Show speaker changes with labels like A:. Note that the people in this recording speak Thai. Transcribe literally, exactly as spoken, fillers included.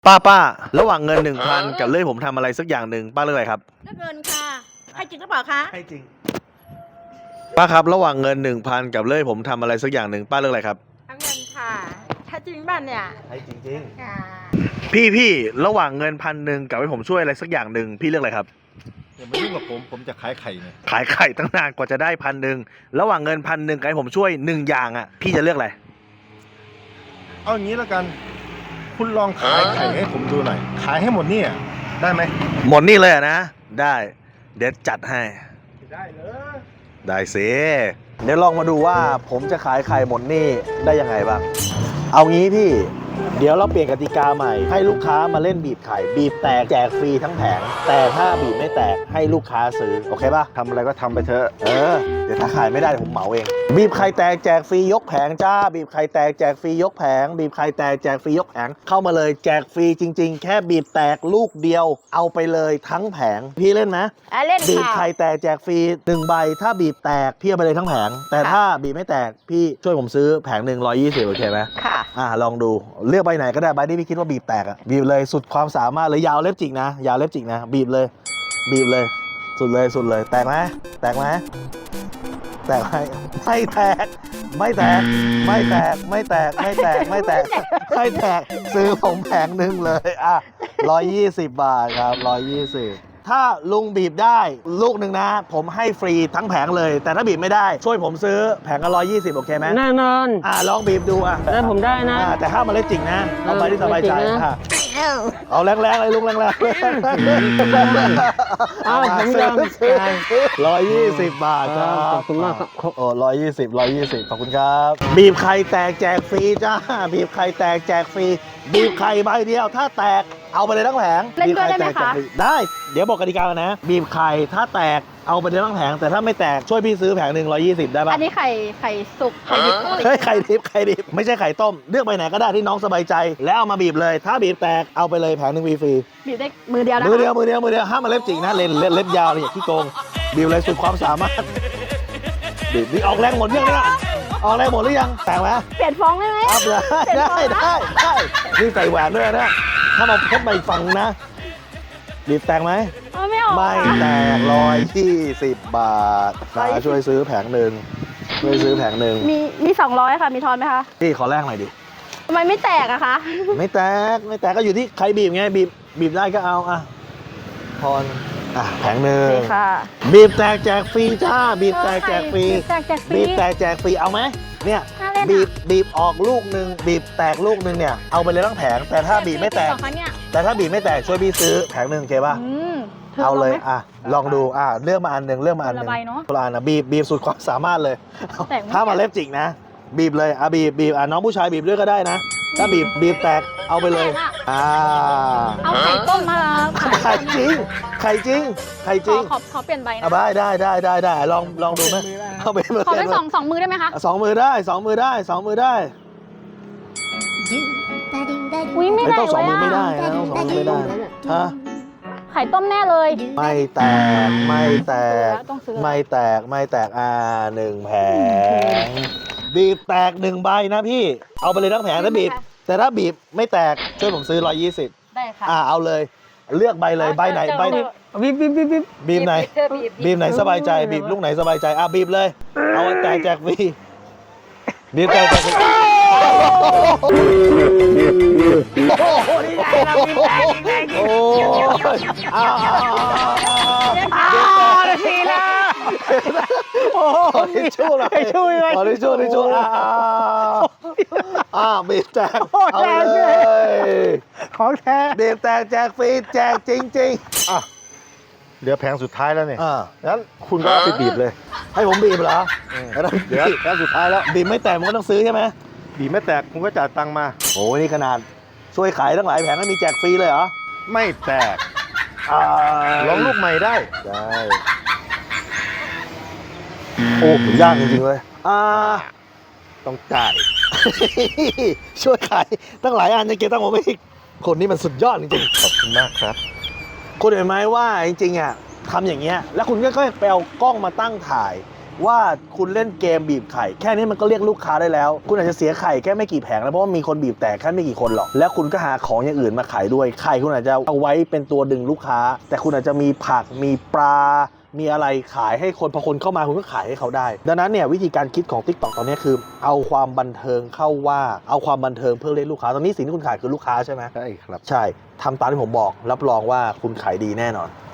A: ป้าป้าระหว่างเงินหนึ่งพันกับเลื่อยผมทำอะไรสักอย่างหนึ่งป้าเลือกอะไรครับ
B: เลือกเงินค่ะให้จริงหรือเปล่าคะ
A: ให้จริงป้าครับระหว่างเงินหนึ่งพันกับเลื่อยผมทำอะไรสักอย่างหนึ่งป้าเลือกอะไรครับ
B: เอาเงินค่ะถ้าจริงบ้านเนี่ย
A: ให้จริงจริง
B: ค่ะ
A: พี่พี่ระหว่างเงินพันหนึ่งกับให้ผมช่วยอะไรสักอย่างหนึ่งพี่เลือกอะไรครับ
C: อย่ามายุ่งกับผมผมจะขายไข่เนี่ย
A: ขายไข่ตั้งนานกว่าจะได้พันหนึ่งระหว่างเงินพันหนึ่งกับให้ผมช่วยหนึ่งอย่างอ่ะพี่จะเลือกอะไร
C: เอาอย่างนี้แล้วกันคุณลองขายไข่ให้ผมดูหน่อยขายให้หมดเนี่ยได้ไหม
A: หมดนี่เลยอะนะได้เดี๋ยวจัดให้
C: ได้เลย
A: ได้สิเดี๋ยวลองมาดูว่าผมจะขายไข่หมดนี่ได้ยังไงบ้างเอางี้พี่เดี๋ยวเราเปลี่ยนกติกาใหม่ให้ลูกค้ามาเล่นบีบไข่บีบแตกแจกฟรีทั้งแผงแต่ถ้าบีบไม่แตกให้ลูกค้าซื้อโอเคป่ะ
C: ทำอะไรก็ทำไปเถอะ
A: เออเดี๋ยวถ้าขายไม่ได้ผมเหมาเองบีบไข่แตกแจกฟรียกแผงจ้าบีบไข่แตกแจกฟรียกแผงบีบไข่แตกแจกฟรียกแผงเข้ามาเลยแจกฟรีจริงๆแค่บีบแตกลูกเดียวเอาไปเลยทั้งแผงพี่เล่นไหม
B: เล่นค่ะ
A: บีบไข่แตกแจกฟรีหนึ่งใบถ้าบีบแตกพี่เอาไปเลยทั้งแผงแต่ถ้าบีบไม่แตกพี่ช่วยผมซื้อแผงหนึ่งร้อยยี่สิบโอเคไหม
B: ค่ะ
A: อ่าลองดูเลือกใบไหนก็ได้ใบที่พี่คิดว่าบีบแตกอ่ะบีบเลยสุดความสามารถเลยยาวเล็บจิกนะยาวเล็บจิกนะบีบเลยบีบเลยสุดเลยสุดเลยแตกไหมแตกไหมแตกไหมไม่แตกไม่แตกไม่แตกไม่แตกไม่แตกไม่แตกไม่แตกซื้อผมแผงหนึ่งเลยอ่ะร้อยยี่สิบบาทครับร้อยยี่สิบถ้าลุงบีบได้ลูกหนึ่งนะผมให้ฟรีทั้งแผงเลยแต่ถ้าบีบไม่ได้ช่วยผมซื้อแผงละร้อยยี่สิบโอเคไหม
D: แน่นอน
A: อ่ะลองบีบดูอ่ะ
D: ได้ผมได้นะ
A: อ่ะแต่ห้ามมาเล่นจริงนะเอาไปที่สบายใจอ่ะเอาแรงๆเลยลุงแรงๆ
D: เอาผมยอม
A: ร้อยยี่สิบบาทครับ
D: ขอบคุณมากครับ
A: โอ้ร้อยยี่สิบร้อยยี่สิบขอบคุณครับบีบไข่แตกแจกฟรีจ้าบีบไข่แตกแจกฟรีบีบไข่ใบเดียวถ้าแตกเอาไปเลยทั้งแผง
B: เล่นด้วยได้ไหมคะ
A: ได้เดี๋ยวบอกกติกากันนะบีบไข่ถ้าแตกเอาไปเลยทั้งแผงแต่ถ้าไม่แตกช่วยพี่ซื้อแผงหนึ่งร้อยยี่สิบได้ป่ะ
B: อันนี้ไข่ไข่สุกไข่ดิบ
A: เฮ้ยไข่ดิบไข่ดิบไม่ใช่ไข่ต้มเลือกไปไหนก็ได้ที่น้องสบายใจแล้วเอามาบีบเลยถ้าบีบแตกเอาไปเลยแผงหนึ่งฟรี
B: บีบได้มือเดียวนะ
A: มือเดียวมือเดียวมือเดียวห้ามมาเล็บจริงนะเล่นเล็บยาวเลยที่โกงบีบเลยสุดความสามารถบีบนี่ออกแรงหมดยังเนี่ยออกแรงหมดหรือยังแตกไหม
B: เปลี่ยนฟองได้ไหม
A: อัพเลยได้ได้ได้นี่ใส่แหวนด้วยนะถ้ามาพบใบฟังนะบีบแตกไหม
B: ไม่ออก
A: ไม่แตกร้อยยี่สิบบาทมาช่วยซื้อแผงหนึ่งช่วยซื้อแผงหนึ่ง
B: มีมีสองร้อยค่ะมีทอนไหมคะ
A: พี่ขอแรกหน่อยดิ
B: ทำไมไม่แตกอะคะ
A: ไม่แตกไม่แตกก็อยู่ที่ใครบีบไงบีบบีบได้ก็เอาอ่ะทอนอ่ะแผงหนึ่งบีบแตกแจกฟรีจ้าบีบแตกแจกฟรีบีบแตกแจกฟรีเอาไหมเนี่ยบีบบีบออกลูกหนึ่งบีบแตกลูกหนึ่งเนี่ยเอาไปเลยทั้งแผงแต่ถ้าบีบไม่แตกแต่ถ้าบีบไม่แตกช่วยพี่ซื้อแผงหนึ่งโอเคป่ะเอาเลยอ่ะลองดูอ่ะเลือกมาอันหนึ่งเลือกมาอันหนึ่งคนละอันนะบีบบีบสุดความสามารถเลยถ้ามาเล็บจิกนะบีบเลยอ่ะบีบบีบอ่ะน้องผู้ชายบีบด้วยก็ได้นะถ้าบีบบีบแตกเอาไปเลยอ่า
B: เอาไข่ต้มมา
A: ไข่จริงไข่จริงไข่จริง
B: ขอขอเปลี่ยนใบนะ
A: ได้ได้ได้ได้ได้ลองลองดูไหมเอาไป
B: ขอเป็นสองสองมือได้ไหมคะ
A: สองมือได้สองมือได้สองมือได้
B: อุ้ยไม่ได้
A: ต้องสองมือไม่ได้นะต้องสองมือไม่ได้ฮะ
B: ไข่ต้มแน่เลย
A: ไม่แตกไม่แตกไม่แตกไม่แตกอ่าหนึ่งแผงบีบแตกหนึ่งใบนะพี่เอาไปเลยทั้งแผงถ้าบีบแต่ถ้าบีบไม่แตกช่วยผมซื้อร้อยยี่สิบ
B: ได้ค่ะ
A: อ่าเอาเลยเลือกใบเลยใบไหนใบ
D: บีบบีบบีบบีบ
A: บีบไหนบีบไหนสบายใจบีบลูกไหนสบายใจอ่ะบีบเลยเอาแตกแจกฟรีบีบแตกแจกฟรีโอ้โหนี่ไงเราบีบแตกนี่ไงโอ้อ้าวอ้าวทีละโอ้ทิชชู่เลยทิชชู่เลยทิชชู่ทิชชู่อ้าวอ้าวบีบแตกเอาเลย
D: ของแท้
A: บีบแตกแจกฟรีแจกจริงๆอ่ะ
C: เหลือแผงสุดท้ายแล้วเนี่ย
A: งั้นคุณก็ไปบีบเลยให้ผมบีบเหรอ
C: เดี๋ยวแผงสุดท้ายแล้ว
A: บีบไม่แตกมันก็ต้องซื้อใช่ไหม
C: บีบไม่แตกคุณก็จ่ายตังค์มา
A: โอ้นี่ขนาดช่วยขายตั้งหลายแผงก็มีแจกฟรีเลยเหรอ
C: ไม่แตกลองลูกใหม่ได้
A: ได้โอ้ยากจริงๆเลยอ่า
C: ต้องจ่าย
A: ช่วยขายตั้งหลายอันยังเก็บตั้งผมอีกคนนี้มันสุดยอดจริง
C: ๆขอบคุณมากครับ
A: คุณเห็นไหมว่าจริงๆอ่ะทำอย่างเงี้ยแล้วคุณก็ไปเอากล้องมาตั้งถ่ายว่าคุณเล่นเกมบีบไข่แค่นี้มันก็เรียกลูกค้าได้แล้ว คุณอาจจะเสียไข่แค่ไม่กี่แผงแล้วเพราะว่ามีคนบีบแตกแค่ไม่กี่คนหรอกแล้วคุณก็หาของอย่างอื่นมาขายด้วยไข่คุณอาจจะเอาไว้เป็นตัวดึงลูกค้า แต่คุณอาจจะมีผักมีปลา มีอะไรขายให้คนพอคนเข้ามาคุณก็ขายให้เขาได้ ดังนั้นเนี่ยวิธีการคิดของ TikTok ตอนนี้คือเอาความบันเทิงเข้าว่าเอาความบันเทิงเพื่อเรียกลูกค้าตอนนี้สิ่งที่คุณขายคือลูกค้าใช่ไหม
C: ใช่ครับ
A: ใช่ทำตามที่ผมบอกรับรองว่าคุณขายดีแน่นอน